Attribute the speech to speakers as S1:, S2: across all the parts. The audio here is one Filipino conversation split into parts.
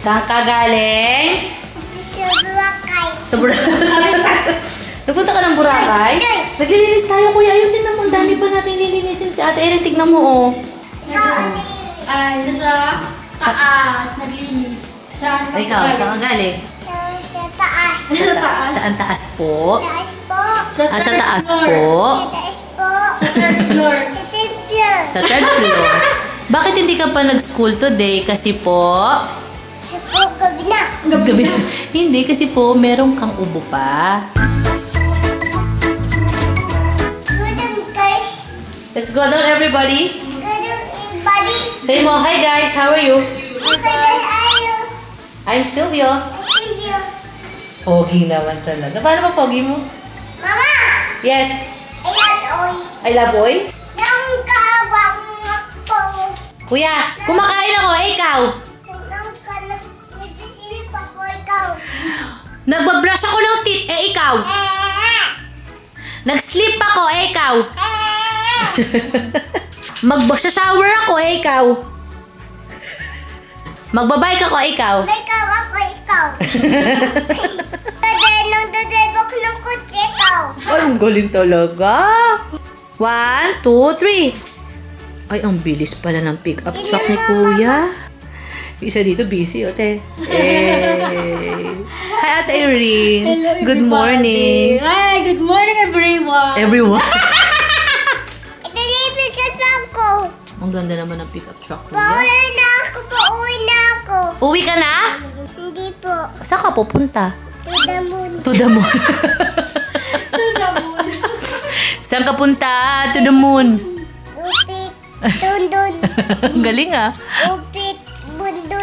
S1: Saan ka galing?
S2: Sa Boracay.
S1: Sa Boracay. Nagpunta ka ng Boracay? Naglilinis tayo, kuya. Ayun din naman. Dami pa natin lilinisin si Ate Erin. Tignan mo, oh.
S3: Ay, nasa taas, naglinis. Saan ka
S1: Ikaw, saan ka galing?
S2: Sa taas.
S3: Sa taas.
S1: Saan taas po?
S2: Taas po.
S3: Sa
S1: Sa
S3: third
S1: taas
S3: floor.
S1: po?
S2: Taas po.
S3: Sa third floor.
S2: Sa templo.
S1: Sa third floor. Bakit hindi ka pa nag-school today? Kasi po...
S2: Sa po gabi na.
S1: Gabi. Hindi, kasi po, meron kang ubo pa.
S2: Gudang guys.
S1: Let's go down, everybody.
S2: Gudang body.
S1: Say mo, hi guys, how are you?
S2: Okay guys, ayo.
S1: I'm Silvio.
S2: Silvio.
S1: Pogi naman talaga. Paano ba pogi mo?
S2: Mama.
S1: Yes.
S2: Ayan, oy.
S1: I love boy.
S2: Nang kawang ako.
S1: Kuya, kumakain ako, eh, ikaw.
S2: Nang kanak. Nagsisilip ako ikaw.
S1: Nagbabrush ako ng teeth, eh, ikaw. Nag-sleep ako, eh, ikaw. Mag-shower ako, eh, ikaw. Magbabike ako, eh, ikaw.
S2: May kawak ko ikaw. Nang dadebok ng kutsi ikaw.
S1: Ay, ang galing talaga. 1, 2, 3. Ay, ang bilis pala ng pick-up truck ni Kuya. Yung isa dito busy, ote. Hi, Ate Irene.
S3: Hello,
S1: Good
S3: everybody.
S1: morning.
S3: Hi, good morning, everyone.
S1: Everyone.
S2: Ito na ibigat ako.
S1: Ang ganda naman ng pick-up truck, Kuya.
S2: Pauwi na ako. Pauwi na ako.
S1: Uwi ka na?
S2: Hindi po.
S1: Saan ka pupunta?
S2: To the moon.
S1: To the moon. Saan ka punta? To the moon.
S2: Upit. Dundun.
S1: Ang galing ah.
S2: Upit. Bundun.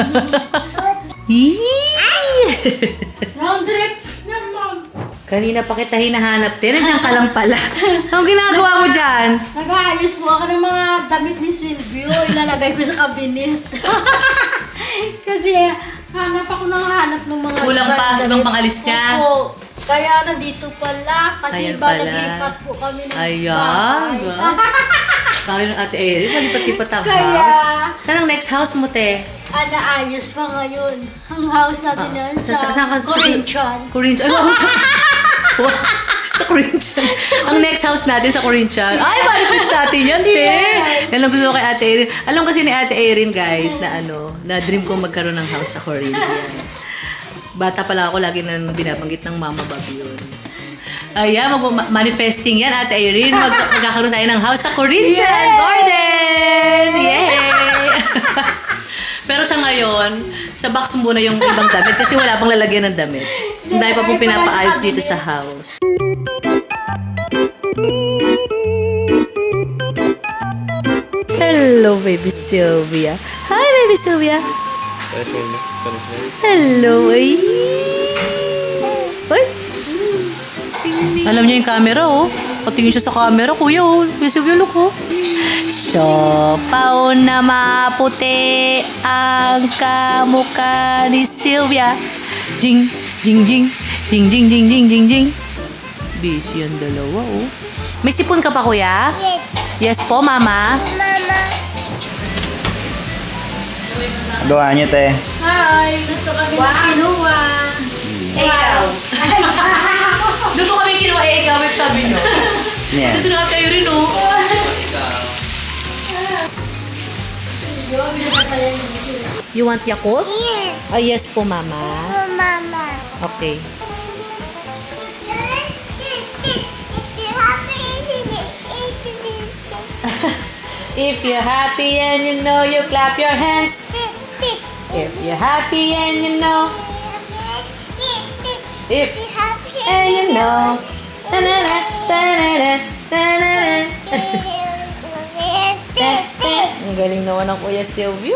S3: Round trip naman.
S1: Kanina pa kita hinahanap. Nandiyan ka lang pala. Anong ginagawa mo dyan?
S3: Nag-aayos po ako ng mga damit ni Silvio. Ilalagay ko sa cabinet. Kasi hanap ako ng hanap ng mga
S1: Kulang pa, ibang pangalis niya.
S3: Opo. Kaya nandito pala. Kasi
S1: Ayan
S3: ba
S1: pala.
S3: naglipat po kami ng
S1: Ayan. Kaya ng Ate Erin, malipat-lipat ang
S3: Kaya-
S1: house. Saan ang next house mo, te?
S3: Naayos pa ngayon. Ang house natin yan sa Corinthian.
S1: Corinthian. Ay, wow. Sa Corinthian. Ang next house natin sa Corinthian. Ay, malipis natin yan, te. Yan lang gusto ko kay Ate Erin. Alam kasi ni Ate Erin, guys, na dream ko magkaroon ng house sa Corinthian. Bata pala ako, lagi na binabanggit ng Mama Bob yun. Ayan, manifesting yan, Ate Erin. Magkakaroon tayo ng house sa Corinthian
S3: Yay!
S1: Garden! Yay! Pero sa ngayon, sa box muna yung ibang damit kasi wala pang lalagyan ng damit. Dahil pa pong pinapaayos dito sa house. Hello, baby Sylvia. Hi, baby Sylvia. Hello, ay. Ay. Alam niya yung camera, oh. Katingin siya sa camera, kuya, oh. Kuya Sylvia, look, oh. Siopaw na maputi ang kamukha ni Sylvia. Jing, jing, jing. Jing, jing, jing, jing, jing, jing. Busy ang dalawa, oh. May sipon ka pa, kuya?
S2: Yes.
S1: Yes po, mama.
S2: Mama.
S4: Gawa niyo, te.
S3: Hi! Dito kami na kinuha.
S1: Ikaw. Doon kami kinuha, ikaw, may sabi nyo.
S4: Yan.
S1: Dito na kayo rin, oh. You want Yakult?
S2: Yes.
S1: Yes po, mama.
S2: Oh, Mama.
S1: Okay. If you're happy and you know, you clap your hands. If you're happy and you know, if and you know. Ta-na-na, ta-na-na, ta-na-na. Ang galing naman ng Kuya Silvio.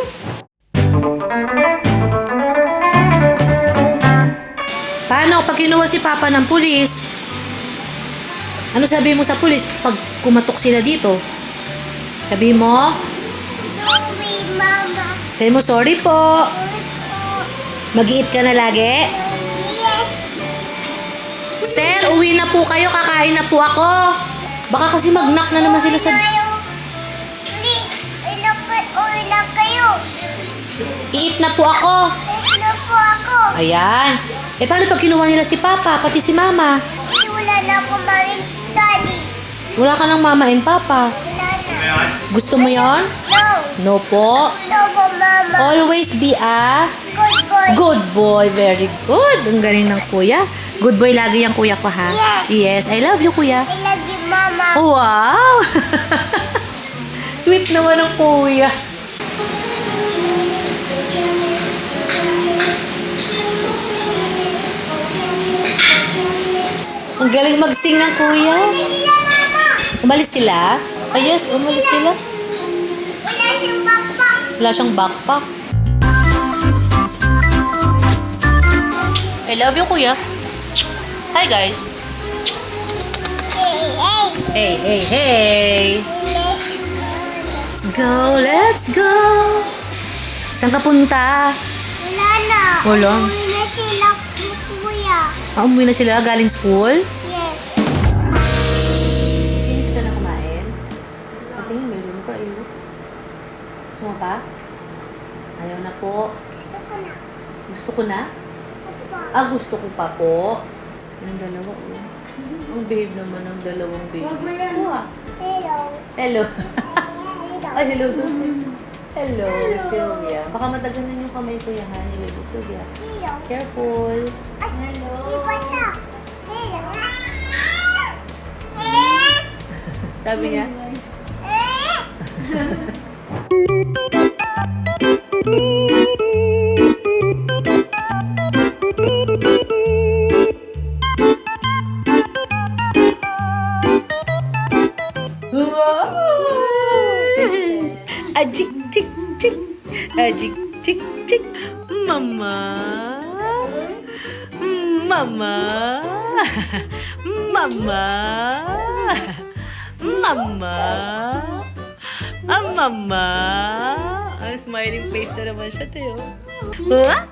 S1: Paano pag kinuha si Papa ng pulis? Ano sabihin mo sa pulis pag kumatok sila dito? Sabihin mo?
S2: Sorry, Mama.
S1: Sabihin mo, sorry po. Mag-eat ka na lagi?
S2: Yes.
S1: Sir, uwi na po kayo. Kakain na po ako. Baka kasi mag-knock na naman sila sa...
S2: Uwi na kayo.
S1: I-eat na po ako.
S2: po ako.
S1: Ayan. Eh, paano pag kinuha nila si Papa, pati si Mama?
S2: Kasi wala na ako maring daddy.
S1: Wala ka ng Mama and Papa.
S2: Wala na.
S1: Gusto mo yon?
S2: No.
S1: No po.
S2: No po, mama.
S1: Always be a
S2: Good boy.
S1: good boy. Very good. Ang galing ng kuya. Good boy lagi yung kuya ko, ha?
S2: Yes.
S1: Yes. I love you, kuya.
S2: I love you, mama.
S1: Wow! Sweet naman ng kuya. Ang galing mag-sing ng kuya.
S2: Sila, mama.
S1: Umalis sila? Ah, yes, umalis sila.
S2: Wala siyang backpack.
S1: Wala siyang backpack. I love you, kuya. Hi, guys.
S2: Hey, hey.
S1: Hey, hey, hey. Let's go, let's go. Saan ka punta?
S2: Wala na.
S1: Wala.
S2: Umuwi na sila ni kuya.
S1: Umuwi na sila galing school?
S2: Yes.
S1: Finish ka na kumain? Ate, meron pa eh. Gusto mo pa? Ayaw na po.
S2: Ito ko na.
S1: Gusto ko na?
S2: Ito pa.
S1: Ah, gusto ko pa po. Yung dalawa, oh. Ang babe naman ng dalawang baby.
S3: Huwag mo yan.
S2: Hello.
S1: Hello.
S2: Hello.
S1: Ay, hello. Hello, Sylvia. Baka mataganan yung kamay ko yan, ha? Hello, Sylvia.
S2: Hello.
S1: Careful.
S2: Hello. Iba siya. Hello. Eh?
S1: Sabi niya,
S2: Eh?
S1: Ajik, cik, cik. Ajik, cik, cik. Mama. Mama. Mama. Mama. Ah, mama. Ang smiling face na naman siya, Teo. Huh?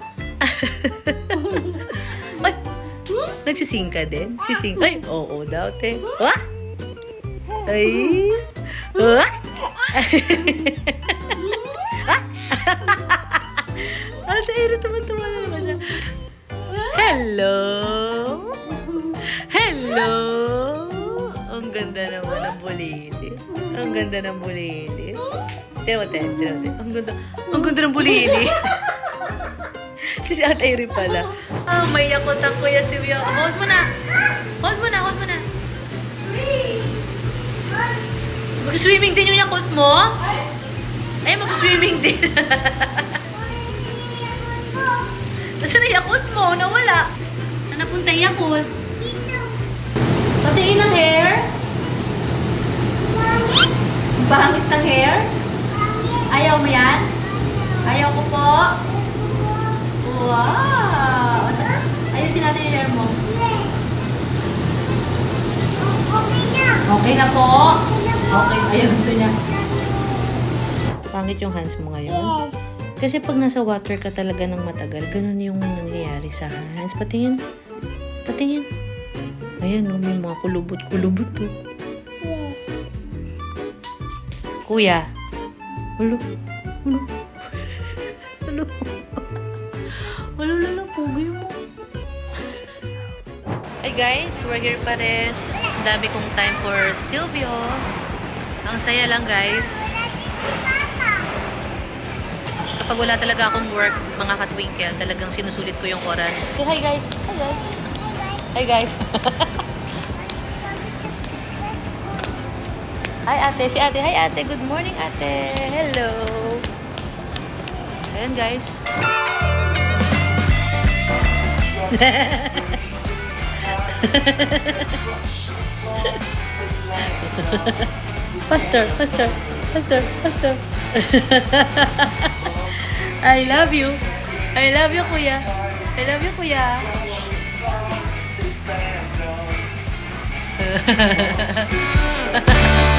S1: Ay, nagsising ka din? Sising? Ay, oo daw, te. Huh? Ay. Huh? Ate Erin, tuman-tuman na naman siya. Hello? Hello? Ang ganda naman ng bulili. Ang ganda ng bulili. Tira mo, Ate. Ang ganda ng bulili. Si Ate Erin pala. Ah, may yakot ang kuya si Wio. Hold mo na. Hold mo na. Mag-swimming din yung yakot mo? Ay, mag-swimming din. Nasaan na yakot mo? Nawala. Saan napunta yung yakot?
S2: Dito.
S1: Patiin ng hair?
S2: Mami.
S1: Bangit ng hair? Ayaw mo yan? Ayaw ko po. Wow! Ayusin natin yung hair mo.
S2: Yes. Okay na.
S1: Okay na po. Okay, ayaw gusto niya. Pangit yung hands mo ngayon.
S2: Yes.
S1: Kasi pag nasa water ka talaga ng matagal, ganun yung nangyayari sa hands. Patingin. Patingin. Ayan, oh, may mga kulubot-kulubot to.
S2: Yes.
S1: Kuya. Ulo. Ulo. Ulo. Ulo, ulo, pugi mo. Hey guys, we're here pa rin. Ang dami kong time for Silvio. Ang saya lang guys. Kapag wala talaga akong work, mga katwinkle, talagang sinusulit ko yung oras. Say hi guys. Hi guys. Hi guys. Hi ate. Si ate. Hi ate. Good morning ate. Hello. So, ayan guys. Faster. I love you. I love you, kuya. I love you, kuya.